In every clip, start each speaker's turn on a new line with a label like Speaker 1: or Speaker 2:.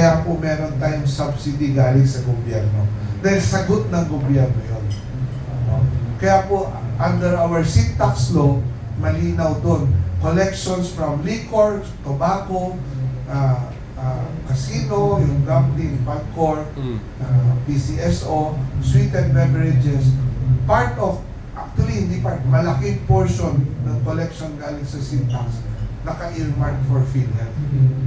Speaker 1: Kaya po meron tayong subsidy galing sa gobyerno. Dahil sagot ng gobyerno yun. Kaya po, under our sin tax law, malinaw doon. Collections from liquor, tobacco, casino, yung gambling, Pagcor, PCSO, sweetened beverages, part of, actually hindi part, malaking portion ng collection galing sa sin tax, naka-earmark for PhilHealth.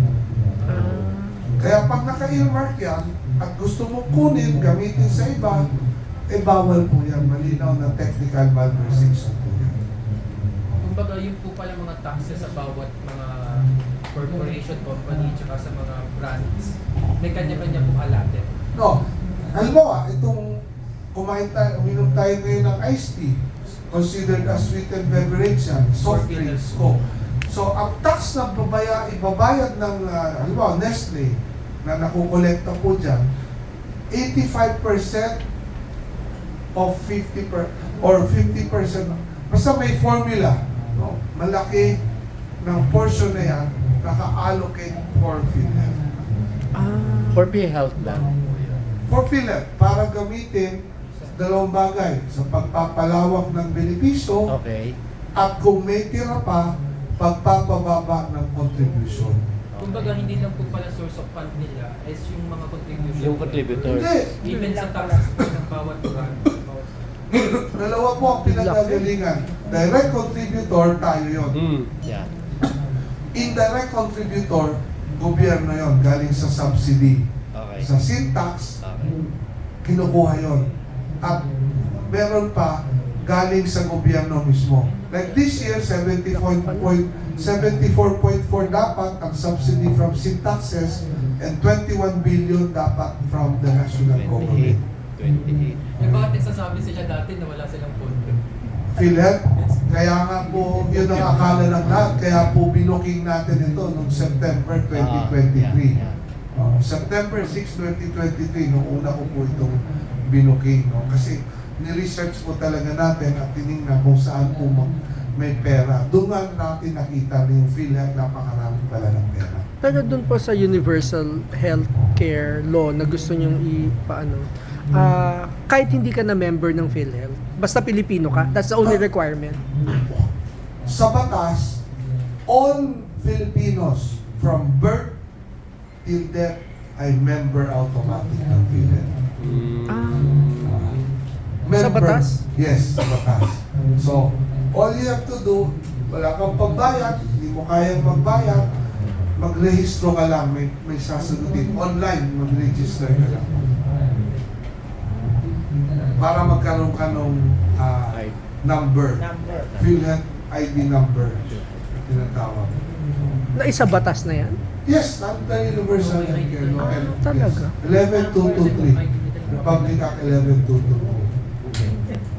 Speaker 1: Kaya pag naka-earmark yan, at gusto mo kunin, gamitin sa iba, eh bawal po yan, malinaw na technical malversation po yan.
Speaker 2: Kumbaga yun po pala mga taxes sa bawat mga corporation, company, tsaka sa mga brands, may kanya-kanya po allotted.
Speaker 1: No, halimbawa, itong kumain tayo, uminom tayo ngayon ng iced tea, considered as sweetened beverage yan, soft drinks ko. So, ang tax na ibabayad ng, halimbawa, Nestle, na nakukolekta po dyan, 85% of 50% or 50%, basta may formula, no? Malaki ng portion na yan, naka-allocate for PhilHealth.
Speaker 3: For PhilHealth lang.
Speaker 1: For PhilHealth, para gamitin dalawang bagay, sa pagpapalawak ng benepisyo,
Speaker 3: Okay.
Speaker 1: at kung may tira pa, pagpapababa ng contribution.
Speaker 2: Kumbaga hindi lang po pala source of fund nila is yung mga contribution.
Speaker 3: Yung contributors.
Speaker 1: Hindi.
Speaker 2: Even sa taxes po ng bawat brand.
Speaker 1: Dalawa po ang pinagagalingan. Direct contributor, tayo yon.
Speaker 3: Yeah.
Speaker 1: Indirect contributor, gobyerno yon, galing sa subsidy.
Speaker 3: Okay.
Speaker 1: Sa sin tax,
Speaker 3: Okay.
Speaker 1: kinukuha yon. At meron pa, galing sa gobyerno mismo. Like this year, 74.4 dapat ang subsidy from sin taxes and 21 billion dapat from the national government.
Speaker 3: 28.
Speaker 2: Eh bakit nagsasabi sila dati na wala silang pondo?
Speaker 1: PhilHealth, kaya nga po yun ang akala ng lahat, kaya po binuking natin ito noong September 2023. September 6, 2023, noong una ko po itong binuking. No? Kasi ni-research po talaga natin at tinignan kung saan po may pera. Doon nga natin nakita na yung PhilHealth, napakarami pala ng pera.
Speaker 4: Pero doon po sa Universal Healthcare Law na gusto nyong kahit hindi ka na member ng PhilHealth, basta Pilipino ka, that's the only requirement.
Speaker 1: Sa batas, all Filipinos from birth till death ay member automatic ng PhilHealth.
Speaker 4: Sa batas?
Speaker 1: Yes, sa batas. So, all you have to do, wala kang pagbayad, hindi mo kayang magbayad, magrehistro ka lang, may sasagutin. Online, mag-register ka lang. Para magkaroon ka ng number. PhilHealth ID number. Tinatawag.
Speaker 4: Na isa batas na yan?
Speaker 1: Yes, not the Universal Healthcare Law.
Speaker 4: Talaga?
Speaker 1: Yes. 11223. Republic Act 11223.